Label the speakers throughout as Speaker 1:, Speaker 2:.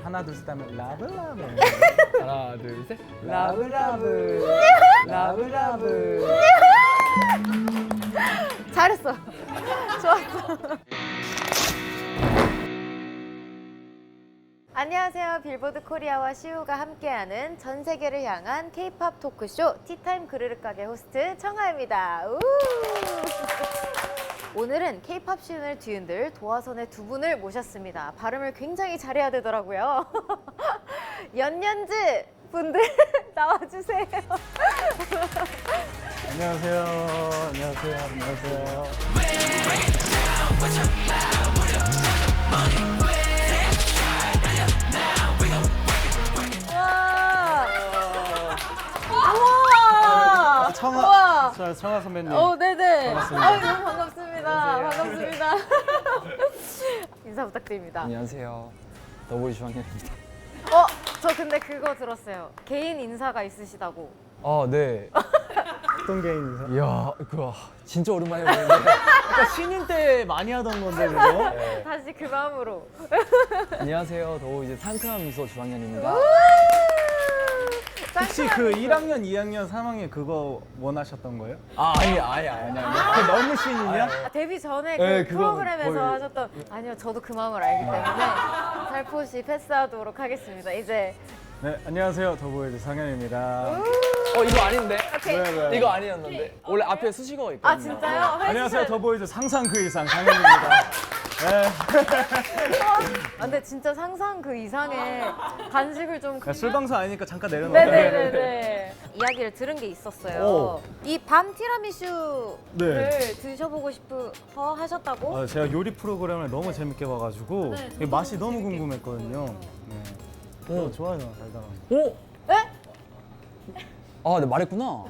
Speaker 1: 하나 둘 셋 하면 라브라브.
Speaker 2: 하나 둘 셋.
Speaker 1: 라브라브. 라브라브.
Speaker 3: 잘했어. 좋았어. 안녕하세요. 빌보드 코리아와 시우가 함께하는 전 세계를 향한 K-팝 토크쇼 티타임 그르륵 가게 호스트 청하입니다. 우! 오늘은 K-팝 시운을 뒤흔들 도화선의 두 분을 모셨습니다. 발음을 굉장히 잘해야 되더라고요. 연년즈 분들 나와주세요.
Speaker 1: 안녕하세요. 안녕하세요. 안녕하세요.
Speaker 3: 우와!
Speaker 1: 청아. 저 청아 선배님.
Speaker 3: 네네.
Speaker 1: 반갑습니다.
Speaker 3: 아유, 너무 반갑습니다. 반갑습니다. 인사 부탁드립니다.
Speaker 2: 안녕하세요. 더보이 주황현입니다.
Speaker 3: 저 근데 그거 들었어요. 개인 인사가 있으시다고.
Speaker 2: 아 네.
Speaker 1: 어떤 게 인사?
Speaker 2: 이야 그거 진짜 오랜만에 보는데.
Speaker 1: 그러니까 신인 때 많이 하던 건데 그거.
Speaker 3: 다시 그 마음으로.
Speaker 2: 안녕하세요. 더보이 이제 상큼한 미소 주황현입니다.
Speaker 1: 혹시 그 1학년, 2학년, 3학년 그거 원하셨던 거예요?
Speaker 2: 아니.
Speaker 1: 그 너무 신인이야?
Speaker 3: 데뷔 전에
Speaker 2: 네,
Speaker 3: 그
Speaker 2: 그거는
Speaker 3: 프로그램에서
Speaker 2: 거의-
Speaker 3: 하셨던 아니요 저도 그 마음을 알기 때문에 살포시 패스하도록 하겠습니다. 이제
Speaker 1: 네, 안녕하세요. 더보이즈 상현입니다.
Speaker 2: 이거 아닌데?
Speaker 3: 오케이.
Speaker 1: 왜?
Speaker 2: 이거 아니었는데. 원래 앞에 수식어가 있거든요.
Speaker 3: 아 진짜요?
Speaker 1: 안녕하세요. 더보이즈 상상 그 이상 상현입니다. 네.
Speaker 3: 근데 진짜 상상 그 이상의 간식을 좀
Speaker 1: 야, 술 방송 아니니까 잠깐 내려놓을게요.
Speaker 3: 네네네네. 이야기를 들은 게 있었어요.
Speaker 1: 오.
Speaker 3: 이 밤 티라미슈를
Speaker 1: 네.
Speaker 3: 드셔보고 싶어 하셨다고?
Speaker 1: 제가 요리 프로그램을 너무 재밌게 봐가지고
Speaker 3: 네,
Speaker 1: 이게 맛이 너무 궁금했거든요. 네. 좋아요, 달달한.
Speaker 2: 오.
Speaker 3: 네?
Speaker 2: 아, 네 말했구나.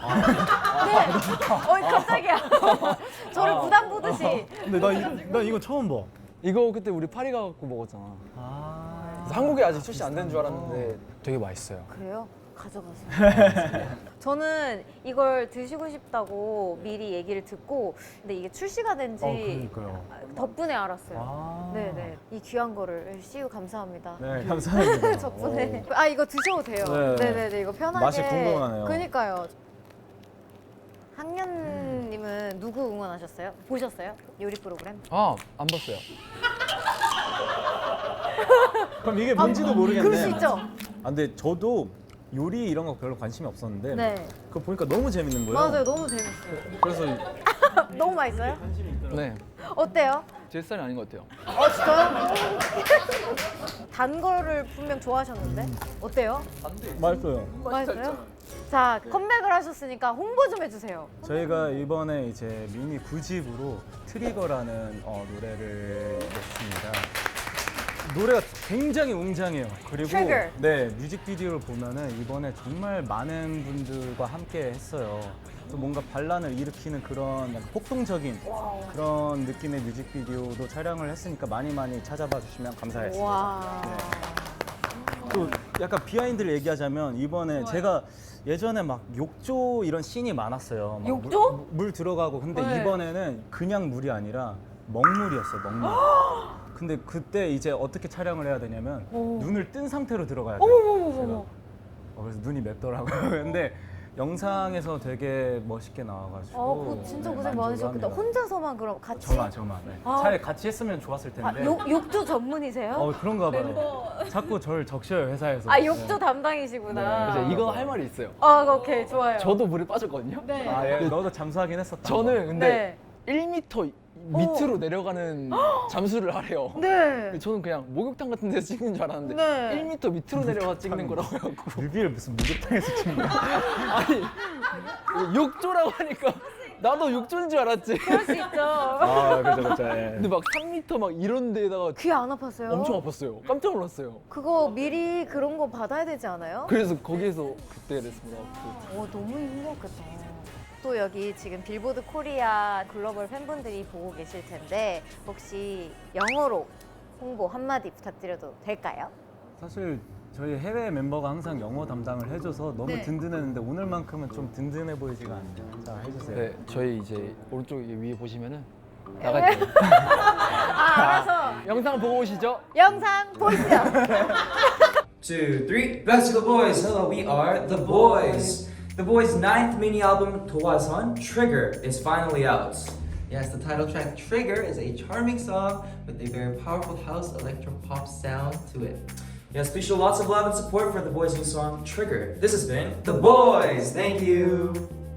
Speaker 3: 깜짝이야. 저를 부담 보듯이.
Speaker 1: 근데 나 이거 처음 봐.
Speaker 2: 이거 그때 우리 파리 가갖고 먹었잖아. 그래서 한국에 아직 출시 안 된 줄 알았는데 되게 맛있어요.
Speaker 3: 그래요? 가져가세요. 저는 이걸 드시고 싶다고 미리 얘기를 듣고 근데 이게 출시가 된지
Speaker 1: 그러니까요.
Speaker 3: 덕분에 알았어요. 네네. 이 귀한 거를 CU 감사합니다.
Speaker 1: 네, 감사합니다.
Speaker 3: 덕분에.
Speaker 1: 오.
Speaker 3: 이거 드셔도 돼요.
Speaker 1: 네.
Speaker 3: 네네네. 이거 편하게.
Speaker 1: 맛이 궁금하네요.
Speaker 3: 그니까요. 학년님은 누구 응원하셨어요? 보셨어요? 요리 프로그램?
Speaker 2: 아, 안 봤어요.
Speaker 1: 그럼 이게 뭔지도 모르겠네.
Speaker 3: 그럴 수 있죠.
Speaker 1: 근데 저도 요리 이런 거 별로 관심이 없었는데
Speaker 3: 네.
Speaker 1: 그거 보니까 너무 재밌는 거예요.
Speaker 3: 맞아요. 너무 재밌어요.
Speaker 1: 그래서
Speaker 3: 너무 맛있어요?
Speaker 2: 네.
Speaker 3: 어때요?
Speaker 2: 제 스타일이 아닌 것 같아요.
Speaker 3: 진짜요? 단 거를 분명 좋아하셨는데 어때요?
Speaker 1: 맛있어요.
Speaker 3: 맛있어요? 자 컴백을 하셨으니까 홍보 좀 해주세요.
Speaker 1: 저희가 이번에 이제 미니 9집으로 트리거라는 노래를 냈습니다. 노래가 굉장히 웅장해요. 그리고
Speaker 3: Trigger.
Speaker 1: 네 뮤직비디오를 보면은 이번에 정말 많은 분들과 함께 했어요. 또 뭔가 반란을 일으키는 그런 약간 폭동적인 그런 느낌의 뮤직비디오도 촬영을 했으니까 많이 찾아봐 주시면 감사하겠습니다.
Speaker 3: 와.
Speaker 1: 또 약간 비하인드를 얘기하자면 이번에 제가 예전에 막 욕조 이런 씬이 많았어요. 막
Speaker 3: 욕조?
Speaker 1: 물 들어가고 근데
Speaker 3: 네.
Speaker 1: 이번에는 그냥 물이 아니라 먹물이었어요. 먹물. 근데 그때 이제 어떻게 촬영을 해야 되냐면 눈을 뜬 상태로 들어가야 돼요.
Speaker 3: 어머머머머.
Speaker 1: 그래서 눈이 맵더라고요. 근데 영상에서 되게 멋있게 나와가지고
Speaker 3: 그거 진짜
Speaker 1: 네,
Speaker 3: 고생 많으셨겠다.
Speaker 1: 만족합니다.
Speaker 3: 혼자서만 그럼 같이?
Speaker 1: 저만. 네.
Speaker 3: 아.
Speaker 1: 차라리 같이 했으면 좋았을 텐데.
Speaker 3: 욕조 전문이세요?
Speaker 1: 그런가 봐요. 자꾸 저를 적셔요 회사에서.
Speaker 3: 욕조 담당이시구나.
Speaker 2: 그래서 이거 할 말이 있어요.
Speaker 3: 오케이 좋아요.
Speaker 2: 저도 물에 빠졌거든요.
Speaker 3: 네.
Speaker 1: 예, 너도 잠수하긴 했었다.
Speaker 2: 저는 근데
Speaker 3: 네.
Speaker 2: 1m 밑으로 내려가는 잠수를 하래요.
Speaker 3: 네.
Speaker 2: 저는 그냥 목욕탕 같은 데서 찍는 줄 알았는데
Speaker 3: 네.
Speaker 2: 1m 밑으로 내려가 찍는 거라고 해갖고
Speaker 1: 뮤비를 무슨 목욕탕에서 찍는 거야?
Speaker 2: 아니 욕조라고 하니까 나도 욕조인 줄 알았지.
Speaker 3: 그럴 수 있죠.
Speaker 1: 그죠. 예.
Speaker 2: 근데 막 3m 막 이런 데다가
Speaker 3: 귀 안 아팠어요?
Speaker 2: 엄청 아팠어요. 깜짝 놀랐어요.
Speaker 3: 그거 미리 그런 거 받아야 되지 않아요?
Speaker 2: 그래서 거기에서 그때 레슨 받았고.
Speaker 3: 너무 힘들었겠다. 또 여기 지금 빌보드 코리아 글로벌 팬분들이 보고 계실 텐데 혹시 영어로 홍보 한마디 부탁드려도 될까요?
Speaker 1: 사실 저희 해외 멤버가 항상 영어 담당을 해줘서 너무
Speaker 3: 네.
Speaker 1: 든든했는데 오늘만큼은 좀 든든해 보이지가 않네요. 자, 해주세요.
Speaker 2: 네, 저희 이제 오른쪽 위에 보시면은 나갈 때
Speaker 3: 알아서
Speaker 2: 영상 보고 오시죠.
Speaker 3: 영상 보시죠.
Speaker 4: 2, 3. Best of the boys. Hello, we are the boys. The boys' 9th mini album 도화선 Trigger is finally out.
Speaker 5: Yes, the title track Trigger is a charming song with a very powerful house electro pop sound to it.
Speaker 4: Yes, please show lots of love and support for the boys' new song Trigger. This has been the boys. Thank you.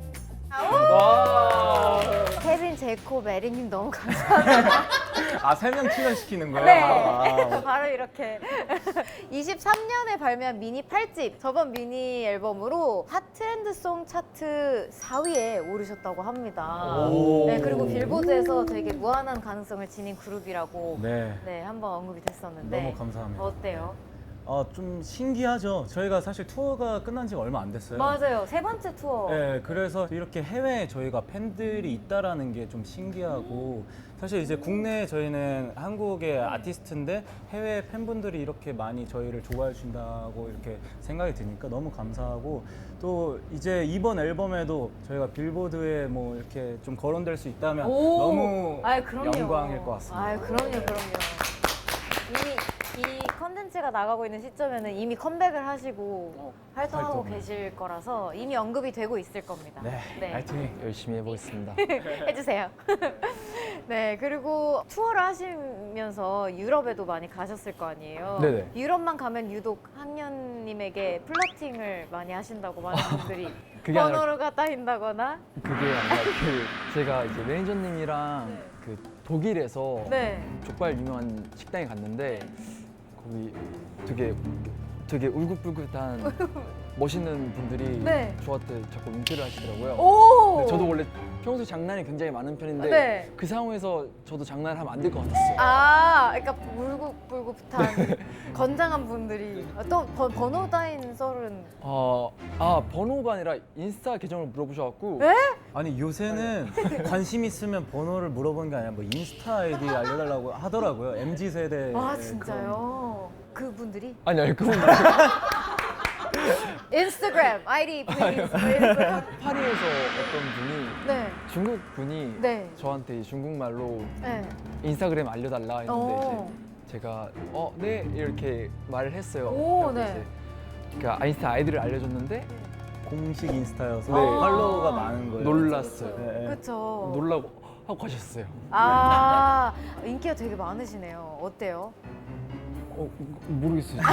Speaker 3: 케빈, 제이콥, 에리님 너무 감사합니다.
Speaker 1: 아, 3명 출연시키는 거예요?
Speaker 3: 네.
Speaker 1: 아,
Speaker 3: 바로 이렇게 23년에 발매한 미니 8집 저번 미니 앨범으로 핫 트렌드송 차트 4위에 오르셨다고 합니다. 네, 그리고 빌보드에서 되게 무한한 가능성을 지닌 그룹이라고
Speaker 1: 네.
Speaker 3: 한번 언급이 됐었는데
Speaker 1: 너무 감사합니다.
Speaker 3: 어때요?
Speaker 1: 좀 신기하죠. 저희가 사실 투어가 끝난 지가 얼마 안 됐어요.
Speaker 3: 맞아요. 세 번째 투어.
Speaker 1: 네, 그래서 이렇게 해외에 저희가 팬들이 있다라는 게 좀 신기하고 사실 이제 국내에 저희는 한국의 아티스트인데 해외 팬분들이 이렇게 많이 저희를 좋아해 준다고 이렇게 생각이 드니까 너무 감사하고 또 이제 이번 앨범에도 저희가 빌보드에 뭐 이렇게 좀 거론될 수 있다면 너무
Speaker 3: 아유, 그럼요.
Speaker 1: 영광일 것 같습니다.
Speaker 3: 아유, 그럼요. 이미 이 컨텐츠가 나가고 있는 시점에는 이미 컴백을 하시고 활동하고
Speaker 1: 활동을.
Speaker 3: 계실 거라서 이미 언급이 되고 있을 겁니다.
Speaker 1: 네, 파이팅.
Speaker 2: 열심히 해보겠습니다.
Speaker 3: 해주세요. 네, 그리고 투어를 하시면서 유럽에도 많이 가셨을 거 아니에요.
Speaker 2: 네네.
Speaker 3: 유럽만 가면 유독 학년님에게 플러팅을 많이 하신다고 많은 분들이
Speaker 2: 그게 아니라-
Speaker 3: 번호가 따인다거나.
Speaker 2: 그게 아니라 제가 이제 매니저님이랑 그 독일에서
Speaker 3: 네.
Speaker 2: 족발 유명한 식당에 갔는데 거기 되게 울긋불긋한 멋있는 분들이
Speaker 3: 네.
Speaker 2: 저한테 자꾸 윙크를 하시더라고요.
Speaker 3: 오.
Speaker 2: 근데 저도 원래 평소에 장난이 굉장히 많은 편인데
Speaker 3: 네.
Speaker 2: 그 상황에서 저도 장난을 하면 안 될 것 같았어요.
Speaker 3: 아, 그러니까 울긋불긋한 건장한 분들이 또 번호 따인 썰은
Speaker 2: 번호가 아니라 인스타 계정을 물어보셔갖고
Speaker 3: 네?
Speaker 1: 아니 요새는 관심 있으면 번호를 물어보는 게 아니라 뭐 인스타 아이디 알려달라고 하더라고요. MZ 세대.
Speaker 3: 아 진짜요? 그분들이
Speaker 2: 아니 그분
Speaker 3: 인스타그램 아이디 please 이러고요.
Speaker 2: 파리에서 어떤 분이
Speaker 3: 네.
Speaker 2: 중국 분이
Speaker 3: 네.
Speaker 2: 저한테 중국말로
Speaker 3: 네.
Speaker 2: 인스타그램 알려달라 했는데
Speaker 3: 어.
Speaker 2: 이제 제가 네 이렇게 말을 했어요.
Speaker 3: 오,
Speaker 2: 그래서
Speaker 3: 네.
Speaker 2: 이제 그러니까 인스타 아이디를 알려줬는데
Speaker 1: 공식 인스타여서
Speaker 2: 네.
Speaker 1: 팔로워가 많은 거예요.
Speaker 2: 놀랐어요.
Speaker 1: 네.
Speaker 3: 그렇죠.
Speaker 2: 놀라고 하고 가셨어요.
Speaker 3: 아 인기가 되게 많으시네요. 어때요?
Speaker 2: 모르겠어요.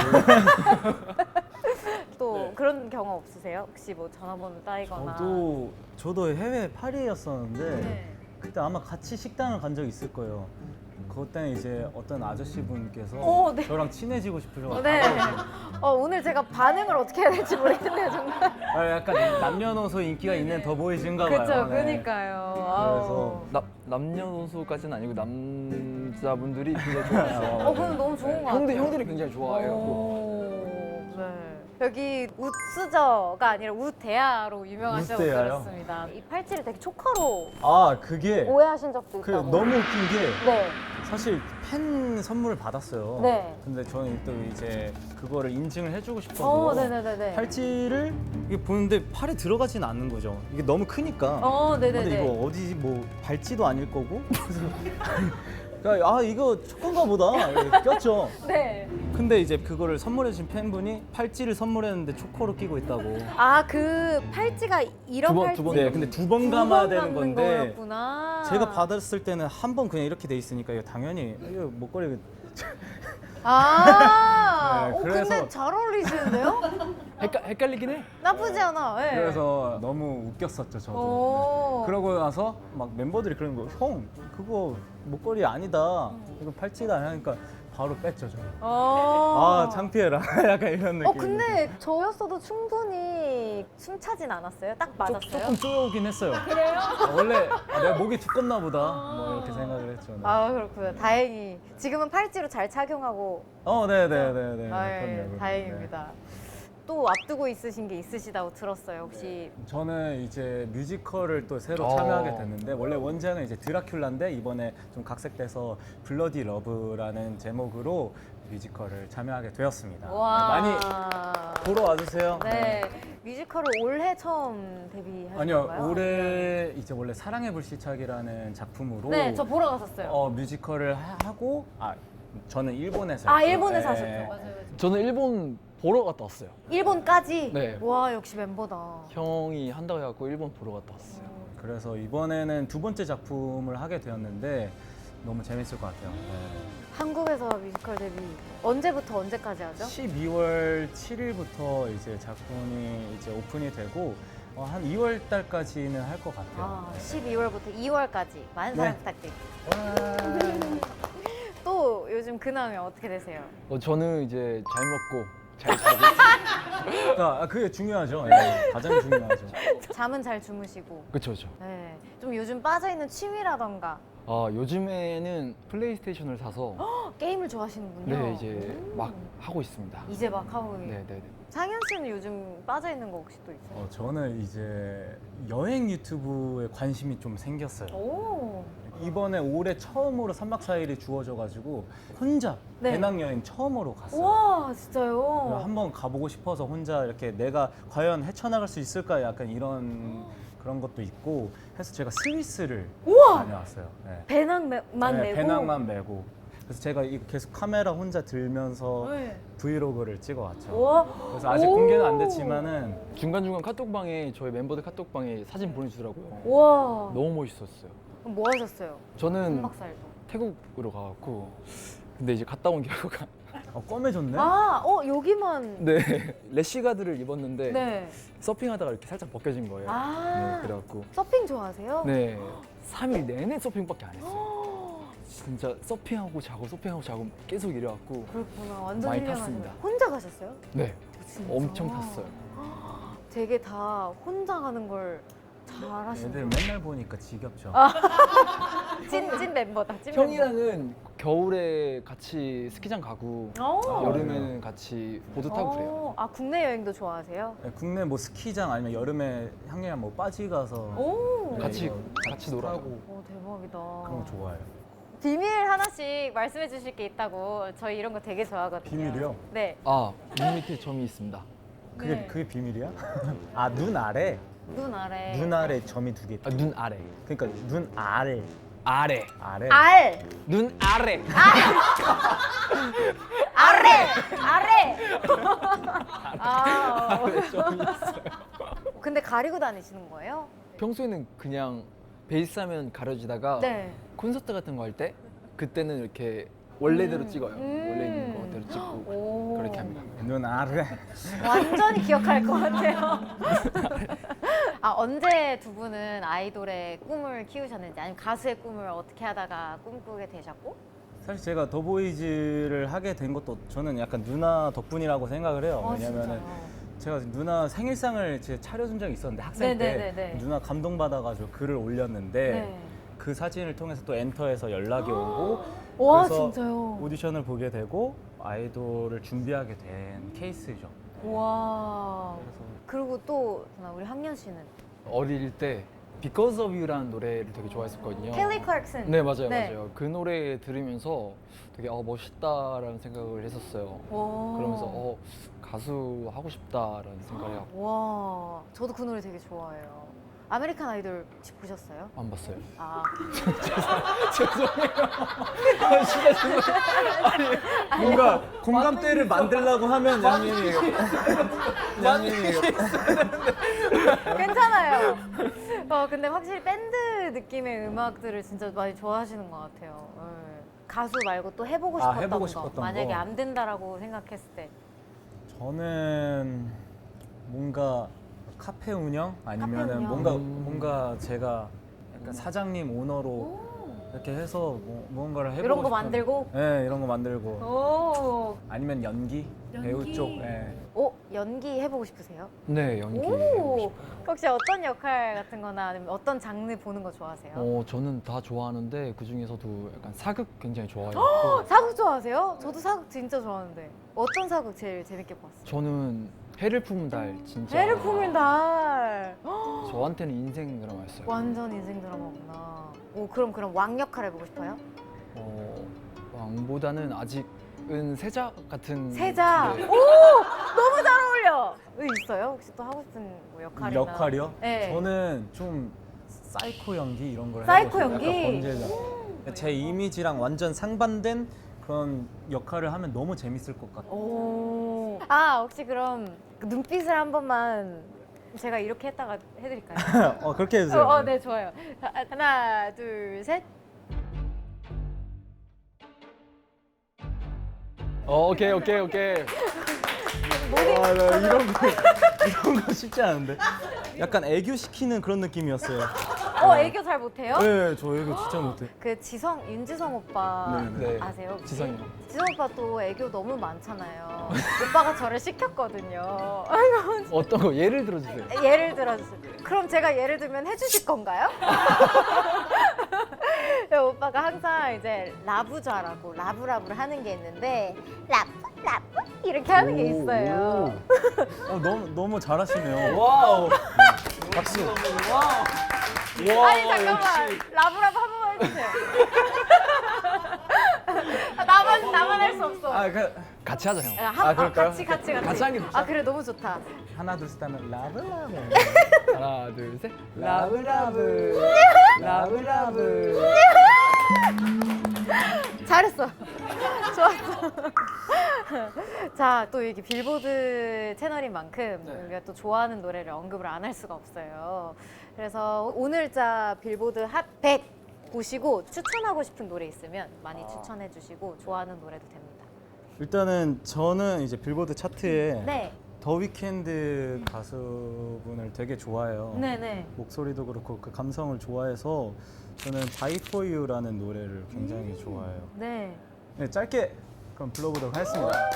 Speaker 3: 또 그런 경험 없으세요? 혹시 뭐 전화번호 따이거나?
Speaker 1: 저도 해외 파리였었는데
Speaker 3: 네.
Speaker 1: 그때 아마 같이 식당을 간 적이 있을 거예요. 그때 이제 어떤 아저씨 분께서
Speaker 3: 네.
Speaker 1: 저랑 친해지고 싶으셔가지고
Speaker 3: 네. 오늘 제가 반응을 어떻게 해야 될지 모르겠네요, 정말.
Speaker 1: 약간 남녀노소 인기가 있는 더 보이신가 봐요.
Speaker 3: 그렇죠,
Speaker 1: 네.
Speaker 3: 그러니까요.
Speaker 1: 그래서
Speaker 2: 남녀노소까지는 아니고 남자분들이 굉장히 좋아해요.
Speaker 3: 그건 너무 좋은 것 같아요.
Speaker 2: 형들이 굉장히 좋아해요.
Speaker 3: 네. 여기 우스저가 아니라 우대야로 유명하시다고
Speaker 1: 우대야요?
Speaker 3: 들었습니다. 이 팔찌를 되게 초커로
Speaker 1: 그게
Speaker 3: 오해하신 적도
Speaker 1: 그
Speaker 3: 있다고.
Speaker 1: 너무 웃긴 게
Speaker 3: 네.
Speaker 1: 사실 팬 선물을 받았어요.
Speaker 3: 네.
Speaker 1: 근데 저는 또 이제 그거를 인증을 해주고 싶어서
Speaker 3: 네네네네.
Speaker 1: 팔찌를 이게 보는데 팔에 들어가진 않는 거죠. 이게 너무 크니까.
Speaker 3: 네네네.
Speaker 1: 근데 이거 어디 뭐 발찌도 아닐 거고. 그러니까 이거 초코인가 보다 이렇게 꼈죠.
Speaker 3: 네.
Speaker 1: 근데 이제 그거를 선물해 주신 팬분이 팔찌를 선물했는데 초코로 끼고 있다고.
Speaker 3: 그 팔찌가 이런 팔찌.
Speaker 1: 네, 근데 두 번 감아야 되는 건데
Speaker 3: 거였구나.
Speaker 1: 제가 받았을 때는 한 번 그냥 이렇게 돼 있으니까 이거 당연히 이거 목걸이
Speaker 3: 네,
Speaker 1: 그래서-
Speaker 3: 근데 잘 어울리시는데요?
Speaker 2: 헷갈리긴 해.
Speaker 3: 나쁘지 않아. 네.
Speaker 1: 그래서 너무 웃겼었죠 저도.
Speaker 3: 오.
Speaker 1: 그러고 나서 막 멤버들이 그러는 거예요. 형 그거 목걸이 아니다. 이거 팔찌다 하니까 바로 뺐죠 저. 창피해라. 약간 이런 느낌.
Speaker 3: 근데 저였어도 충분히 숨차진 않았어요? 딱 맞았어요?
Speaker 1: 조금 쪼여오긴 했어요. 그래요? 원래 내 목이 두껍나 보다. 뭐 이렇게 생각을 했죠. 네.
Speaker 3: 그렇군요. 다행히 지금은 팔찌로 잘 착용하고
Speaker 1: 네네네네.
Speaker 3: 네, 다행입니다. 또 앞두고 있으신 게 있으시다고 들었어요. 혹시
Speaker 1: 저는 이제 뮤지컬을 또 새로 참여하게 됐는데 원래 원작은 이제 드라큘라인데 이번에 좀 각색돼서 블러디 러브라는 제목으로 뮤지컬을 참여하게 되었습니다.
Speaker 3: 와.
Speaker 1: 네, 많이 보러 와주세요.
Speaker 3: 네. 뮤지컬을 올해 처음 데뷔하신
Speaker 1: 아니요,
Speaker 3: 건가요?
Speaker 1: 올해 이제 원래 사랑의 불시착이라는 작품으로
Speaker 3: 네, 저 보러 갔었어요.
Speaker 1: 뮤지컬을 하고 저는 일본에서
Speaker 3: 일본에서 하셨죠. 맞아요.
Speaker 2: 저는 일본 보러 갔다 왔어요.
Speaker 3: 일본까지?
Speaker 2: 네.
Speaker 3: 와, 역시 멤버다.
Speaker 2: 형이 한다고 해갖고 일본 보러 갔다 왔어요.
Speaker 1: 그래서 이번에는 두 번째 작품을 하게 되었는데 너무 재밌을 것 같아요.
Speaker 3: 한국에서 뮤지컬 데뷔 언제부터 언제까지 하죠?
Speaker 1: 12월 7일부터 이제 작품이 이제 오픈이 되고 한 2월 달까지는 할 것 같아요.
Speaker 3: 아,
Speaker 1: 네.
Speaker 3: 12월부터 2월까지 많은 사랑
Speaker 1: 네.
Speaker 3: 부탁드립니다. 또 요즘 근황이 어떻게 되세요?
Speaker 2: 저는 이제 잘 먹고 잘 자고 있어요.
Speaker 1: 그러니까 그게 중요하죠. 네, 가장 중요하죠.
Speaker 3: 잠은 잘 주무시고.
Speaker 2: 그쵸, 그쵸.
Speaker 3: 네. 좀 요즘 빠져있는 취미라던가
Speaker 2: 요즘에는 플레이스테이션을 사서
Speaker 3: 게임을 좋아하시는군요.
Speaker 2: 네, 이제 막 하고 있습니다.
Speaker 3: 이제 막 하고
Speaker 2: 네, 네, 네.
Speaker 3: 상현 씨는 요즘 빠져있는 거 혹시 또 있어요?
Speaker 1: 저는 이제 여행 유튜브에 관심이 좀 생겼어요.
Speaker 3: 오.
Speaker 1: 이번에 올해 처음으로 3박 4일이 주어져가지고 혼자
Speaker 3: 네.
Speaker 1: 배낭여행 처음으로 갔어요.
Speaker 3: 우와, 진짜요?
Speaker 1: 한번 가보고 싶어서 혼자 이렇게 내가 과연 헤쳐나갈 수 있을까 약간 이런 그런 것도 있고 해서 제가 스위스를
Speaker 3: 우와!
Speaker 1: 다녀왔어요. 네.
Speaker 3: 배낭만
Speaker 1: 네,
Speaker 3: 메고?
Speaker 1: 배낭만 메고. 그래서 제가 이거 계속 카메라 혼자 들면서
Speaker 3: 네.
Speaker 1: 브이로그를 찍어왔죠.
Speaker 3: 우와.
Speaker 1: 그래서 아직
Speaker 3: 오!
Speaker 1: 공개는 안 됐지만은
Speaker 2: 중간중간 카톡방에 저희 멤버들 카톡방에 사진 보내주더라고요.
Speaker 3: 우와.
Speaker 2: 너무 멋있었어요.
Speaker 3: 그럼 뭐 하셨어요?
Speaker 2: 저는
Speaker 3: 3박 4일도.
Speaker 2: 태국으로 가갖고 근데 이제 갔다 온 결과가
Speaker 1: 검해졌네?
Speaker 3: 아, 여기만.
Speaker 2: 네 래시가드를 입었는데
Speaker 3: 네.
Speaker 2: 서핑하다가 이렇게 살짝 벗겨진 거예요.
Speaker 3: 아.
Speaker 2: 네, 그래갖고
Speaker 3: 서핑 좋아하세요?
Speaker 2: 네 3일 내내 서핑밖에 안 했어요. 진짜 서핑하고 자고 계속 이래갖고
Speaker 3: 그렇구나. 완전
Speaker 2: 많이
Speaker 3: 힐링하시네.
Speaker 2: 탔습니다.
Speaker 3: 혼자 가셨어요?
Speaker 2: 네
Speaker 3: 진짜?
Speaker 2: 엄청 탔어요.
Speaker 3: 되게 다 혼자 가는 걸 잘하시네요.
Speaker 1: 애들 맨날 보니까 지겹죠.
Speaker 3: 찐 멤버다. 찐 멤버.
Speaker 2: 형이랑은 겨울에 같이 스키장 가고
Speaker 3: 오.
Speaker 2: 여름에는 같이 보드 타고 그래요.
Speaker 3: 아, 국내 여행도 좋아하세요?
Speaker 1: 네, 국내 뭐 스키장 아니면 여름에 향이랑 뭐 빠지 가서
Speaker 3: 오.
Speaker 2: 같이
Speaker 1: 이거
Speaker 2: 같이 놀아요.
Speaker 1: 타고
Speaker 3: 오, 대박이다.
Speaker 1: 그런 거 좋아해요.
Speaker 3: 비밀 하나씩 말씀해 주실 게 있다고. 저희 이런 거 되게 좋아하거든요.
Speaker 1: 비밀이요?
Speaker 3: 네.
Speaker 2: 눈 밑에 점이 있습니다.
Speaker 1: 그게
Speaker 3: 네.
Speaker 1: 그게 비밀이야? 아, 눈 아래.
Speaker 3: 눈 아래.
Speaker 1: 눈 아래 점이 두 개.
Speaker 2: 눈 아래.
Speaker 1: 그러니까 눈 아래.
Speaker 2: 아래.
Speaker 1: 아래.
Speaker 3: 알.
Speaker 2: 눈 아래.
Speaker 3: 아래. 아래. 아.
Speaker 2: 점이 있어요.
Speaker 3: 근데 가리고 다니시는 거예요?
Speaker 2: 평소에는 그냥 베이스 하면 가려지다가
Speaker 3: 네.
Speaker 2: 콘서트 같은 거 할 때 그때는 이렇게 원래대로
Speaker 3: 음.
Speaker 2: 찍어요. 원래 있는 거대로 찍고
Speaker 3: 오.
Speaker 2: 그렇게 합니다.
Speaker 1: 눈 아래.
Speaker 3: 완전히 기억할 것 같아요. 아, 언제 두 분은 아이돌의 꿈을 키우셨는지 아니면 가수의 꿈을 어떻게 하다가 꿈꾸게 되셨고?
Speaker 1: 사실 제가 더보이즈를 하게 된 것도 저는 약간 누나 덕분이라고 생각을 해요. 왜냐면은 제가 누나 생일상을 제 차려준 적이 있었는데 학생 때
Speaker 3: 네네네네.
Speaker 1: 누나 감동받아가지고 글을 올렸는데
Speaker 3: 네.
Speaker 1: 그 사진을 통해서 또 엔터에서 연락이 오고
Speaker 3: 와,
Speaker 1: 그래서
Speaker 3: 진짜요?
Speaker 1: 오디션을 보게 되고 아이돌을 준비하게 된 케이스죠.
Speaker 3: 와. 그리고 또 우리 학년 씨는
Speaker 2: 어릴 때 Because of You라는 노래를 되게 좋아했었거든요.
Speaker 3: 켈리 클락슨.
Speaker 2: 네 맞아요
Speaker 3: 네.
Speaker 2: 맞아요. 그 노래 들으면서 되게 멋있다라는 생각을 했었어요.
Speaker 3: 와.
Speaker 2: 그러면서 가수 하고 싶다라는 생각을 해요.
Speaker 3: 와. 저도 그 노래 되게 좋아해요. 아메리칸 아이돌 혹시 보셨어요?
Speaker 2: 안 봤어요.
Speaker 3: 아.
Speaker 1: 뭔가 공감대를 만들려고 하면 양님이
Speaker 3: 괜찮아요. 근데 확실히 밴드 느낌의 음악들을 진짜 많이 좋아하시는 것 같아요. 네. 가수 말고 또 해보고 싶었던
Speaker 1: 해보고
Speaker 3: 거.
Speaker 1: 싶었던
Speaker 3: 만약에
Speaker 1: 거.
Speaker 3: 안 된다라고 생각했을 때.
Speaker 1: 저는 뭔가 카페 운영 아니면은
Speaker 3: 운영.
Speaker 1: 뭔가 제가 약간 사장님 오너로 이렇게 해서 뭔가를 해보고
Speaker 3: 이런 거
Speaker 1: 싶은-
Speaker 3: 만들고?
Speaker 1: 네, 이런 거 만들고
Speaker 3: 오.
Speaker 1: 아니면 연기 배우 쪽. 네.
Speaker 3: 연기 해보고 싶으세요?
Speaker 2: 네 연기.
Speaker 3: 오. 혹시 어떤 역할 같은 거나 아니면 어떤 장르 보는 거 좋아하세요?
Speaker 2: 저는 다 좋아하는데 그 중에서도 약간 사극 굉장히 좋아해요.
Speaker 3: 사극 좋아하세요? 저도 사극 진짜 좋아하는데 어떤 사극 제일 재밌게 봤어요?
Speaker 2: 저는 해를 품은 달 진짜
Speaker 3: 해를 품은 달.
Speaker 2: 저한테는 인생 드라마였어요.
Speaker 3: 완전 인생 드라마구나. 그럼 왕 역할 해보고 싶어요?
Speaker 2: 왕보다는 아직은 세자 같은
Speaker 3: 세자.
Speaker 2: 네.
Speaker 3: 오, 너무 잘 어울려. 있어요? 혹시 또 하고 싶은 뭐 역할이나?
Speaker 1: 역할이요?
Speaker 3: 네.
Speaker 1: 저는 좀 사이코 연기 이런 걸
Speaker 3: 사이코
Speaker 1: 해보고 싶어요.
Speaker 3: 연기?
Speaker 1: 약간 범죄자. 제 이미지랑 완전 상반된 그런 역할을 하면 너무 재밌을 것 같아요.
Speaker 3: 오. 아 혹시 그럼 그 눈빛을 한 번만 제가 이렇게 했다가 해드릴까요?
Speaker 1: 그렇게 해주세요.
Speaker 3: 네 좋아요. 자, 하나 둘 셋.
Speaker 2: 오케이.
Speaker 1: 나 이런 거 쉽지 않은데. 약간 애교 시키는 그런 느낌이었어요.
Speaker 3: 애교 잘 못해요?
Speaker 1: 네, 저 애교 진짜 못해.
Speaker 3: 그 윤지성 오빠
Speaker 2: 네.
Speaker 3: 아세요? 혹시?
Speaker 2: 지성이요.
Speaker 3: 지성 오빠 또 애교 너무 많잖아요. 오빠가 저를 시켰거든요.
Speaker 2: 어떤 거 예를 들어주세요.
Speaker 3: 예를 들어서 그럼 제가 예를 들면 해주실 건가요? 오빠가 항상 이제 라부좌라고 라브라브를 하는 게 있는데 라브 이렇게 하는 게 있어요.
Speaker 1: 너무 잘하시네요.
Speaker 2: 와우.
Speaker 1: 박수.
Speaker 3: 아니 잠깐만 라브라브 한 번만 해주세요. 나만 할 수 없어.
Speaker 2: 같이 하자 형.
Speaker 1: 그럴까요?
Speaker 3: 같이
Speaker 2: 같이 하는 게 좋지.
Speaker 3: 그래 너무 좋다.
Speaker 1: 하나 둘 셋 하면 라블라블.
Speaker 2: 하나 둘 셋. 라브라브. 라브라브.
Speaker 3: 잘했어. 좋았어. 자, 또 이게 빌보드 채널인 만큼 우리가 또 좋아하는 노래를 언급을 안 할 수가 없어요. 그래서 오늘자 빌보드 핫 100 보시고 추천하고 싶은 노래 있으면 많이 추천해 주시고 좋아하는 노래도 됩니다.
Speaker 1: 일단은 저는 이제 빌보드 차트에
Speaker 3: 네.
Speaker 1: 더 위켄드 가수분을 되게 좋아해요.
Speaker 3: 네네.
Speaker 1: 목소리도 그렇고 그 감성을 좋아해서 저는 Die For You라는 노래를 굉장히 좋아해요.
Speaker 3: 네.
Speaker 1: 네, 짧게 그럼 불러보도록 하겠습니다.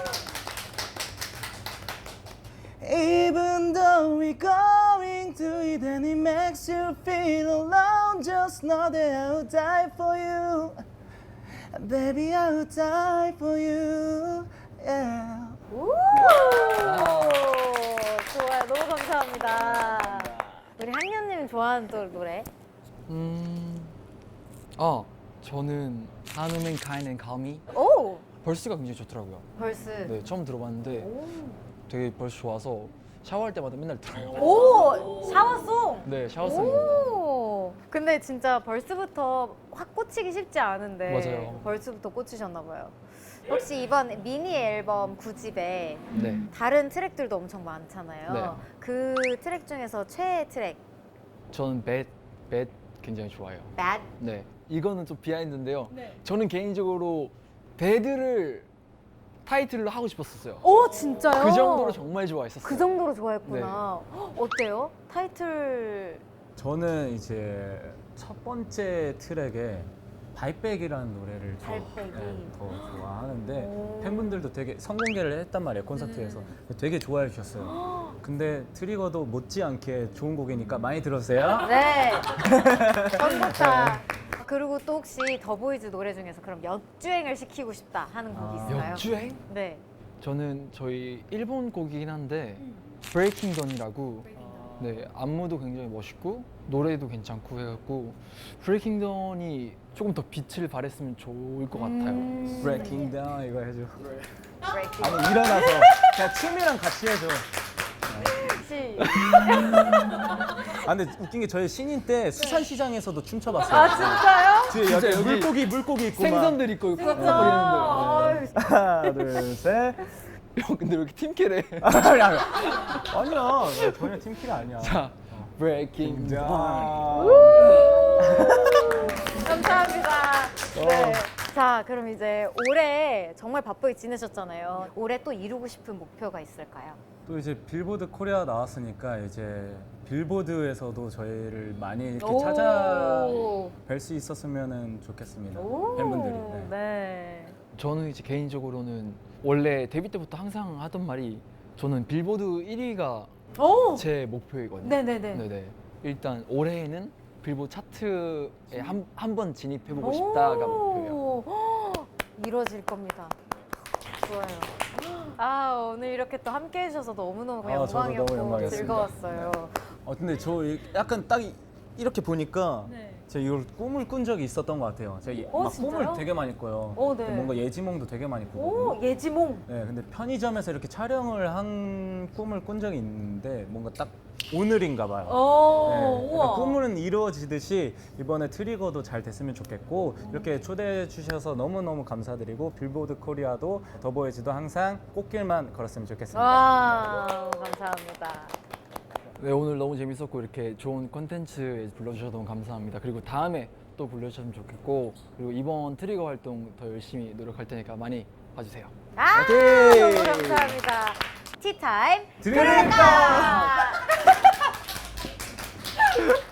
Speaker 1: Even though we're going through it and it makes you feel alone, just know that I'll die for you. Baby, I'll die for you. Yeah.
Speaker 3: 오! 좋아요. 너무 감사합니다. 우리 학년님 좋아하는 또 노래?
Speaker 2: 저는 한우맨 카인 앤 카미
Speaker 3: 오!
Speaker 2: 벌스가 굉장히 좋더라고요.
Speaker 3: 벌스.
Speaker 2: 네, 처음 들어봤는데
Speaker 3: 오!
Speaker 2: 되게 벌스 좋아서 샤워할 때마다 맨날 들어요.
Speaker 3: 오! 샤워송!
Speaker 2: 네, 샤워송.
Speaker 3: 오! 근데 진짜 벌스부터 확 꽂히기 쉽지 않은데
Speaker 2: 맞아요.
Speaker 3: 벌스부터 꽂히셨나 봐요. 혹시 이번 미니 앨범 9집에
Speaker 2: 네.
Speaker 3: 다른 트랙들도 엄청 많잖아요.
Speaker 2: 네.
Speaker 3: 그 트랙 중에서 최애 트랙
Speaker 2: 저는 뱃 굉장히 좋아해요.
Speaker 3: Bad?
Speaker 2: 네. 이거는 좀 비하인드인데요. 저는 개인적으로 배드를 타이틀로 하고 싶었었어요.
Speaker 3: 오 진짜요?
Speaker 2: 그 정도로 정말 좋아했었어요.
Speaker 3: 그 정도로 좋아했구나. 헉, 어때요? 타이틀
Speaker 1: 저는 이제 첫 번째 트랙에 발백이라는 노래를
Speaker 3: 발백이.
Speaker 1: 더 좋아하는데
Speaker 3: 오.
Speaker 1: 팬분들도 되게 선공개를 했단 말이에요 콘서트에서 되게 좋아해 주셨어요. 근데 트리거도 못지않게 좋은 곡이니까 많이 들어주세요.
Speaker 3: 네. 전부다. 그리고 또 혹시 더보이즈 노래 중에서 그럼 역주행을 시키고 싶다 하는 곡 있을까요?
Speaker 2: 역주행?
Speaker 3: 네.
Speaker 2: 저는 저희 일본 곡이긴 한데 브레이킹 던이라고 네, 안무도 굉장히 멋있고 노래도 괜찮고 해갖고 브레이킹 던이 조금 더 빛을 발했으면 좋을 것 같아요.
Speaker 1: Breaking Down 이거 해줘.
Speaker 3: 브레이킹.
Speaker 1: 아니 일어나서 그냥 춤이랑 같이 해줘. 근데 웃긴 게 저희 신인 때 수산시장에서도 춤춰봤어요.
Speaker 3: 아 진짜요?
Speaker 1: 뒤에
Speaker 2: 진짜
Speaker 1: 여기
Speaker 2: 여기
Speaker 1: 물고기 있고 막.
Speaker 2: 생선들 있고
Speaker 3: 진짜.
Speaker 2: 뿌리는데.
Speaker 1: 하나 둘 셋.
Speaker 2: 형 근데 왜 이렇게 팀캐래?
Speaker 1: 아니야 나 전혀 팀킬 아니야.
Speaker 2: 자, 브레이킹 던.
Speaker 3: 감사합니다. 네. 자, 그럼 이제 올해 정말 바쁘게 지내셨잖아요. 올해 또 이루고 싶은 목표가 있을까요?
Speaker 1: 또 이제 빌보드 코리아 나왔으니까 이제 빌보드에서도 저희를 많이 이렇게
Speaker 3: 오.
Speaker 1: 찾아뵐 수 있었으면 좋겠습니다.
Speaker 3: 오.
Speaker 1: 팬분들이.
Speaker 3: 네.
Speaker 2: 저는 이제 개인적으로는 원래 데뷔 때부터 항상 하던 말이 저는 빌보드 1위가
Speaker 3: 오.
Speaker 2: 제 목표이거든요.
Speaker 3: 네네네.
Speaker 2: 네네. 일단 올해에는 빌보드 차트에 한 번 진입해보고 싶다가 목표예요.
Speaker 3: 오. 이루어질 겁니다. 좋아요. 아 오늘 이렇게 또 함께 해주셔서 너무너무
Speaker 1: 저도 너무
Speaker 3: 영광이었고
Speaker 1: 영광이었습니다.
Speaker 3: 즐거웠어요.
Speaker 1: 근데 저 약간 딱 이렇게 보니까
Speaker 3: 네.
Speaker 1: 제가 이걸 꿈을 꾼 적이 있었던 것 같아요. 제가 막
Speaker 3: 진짜요?
Speaker 1: 꿈을 되게 많이 꿔요.
Speaker 3: 네.
Speaker 1: 뭔가 예지몽도 되게 많이 꾸고.
Speaker 3: 오, 예지몽.
Speaker 1: 네, 근데 편의점에서 이렇게 촬영을 한 꿈을 꾼 적이 있는데 뭔가 딱 오늘인가 봐요. 네,
Speaker 3: 우와.
Speaker 1: 약간 꿈은 이루어지듯이 이번에 트리거도 잘 됐으면 좋겠고 이렇게 초대해 주셔서 너무너무 감사드리고 빌보드 코리아도 더보이즈도 항상 꽃길만 걸었으면 좋겠습니다.
Speaker 3: 와, 감사합니다.
Speaker 2: 네, 오늘 너무 재밌었고 이렇게 좋은 콘텐츠에 불러주셔서 너무 감사합니다. 그리고 다음에 또 불러주셨으면 좋겠고 그리고 이번 트리거 활동 더 열심히 노력할 테니까 많이 봐주세요.
Speaker 3: 너무 감사합니다. 티타임
Speaker 1: 드립니다.
Speaker 3: 드립니다.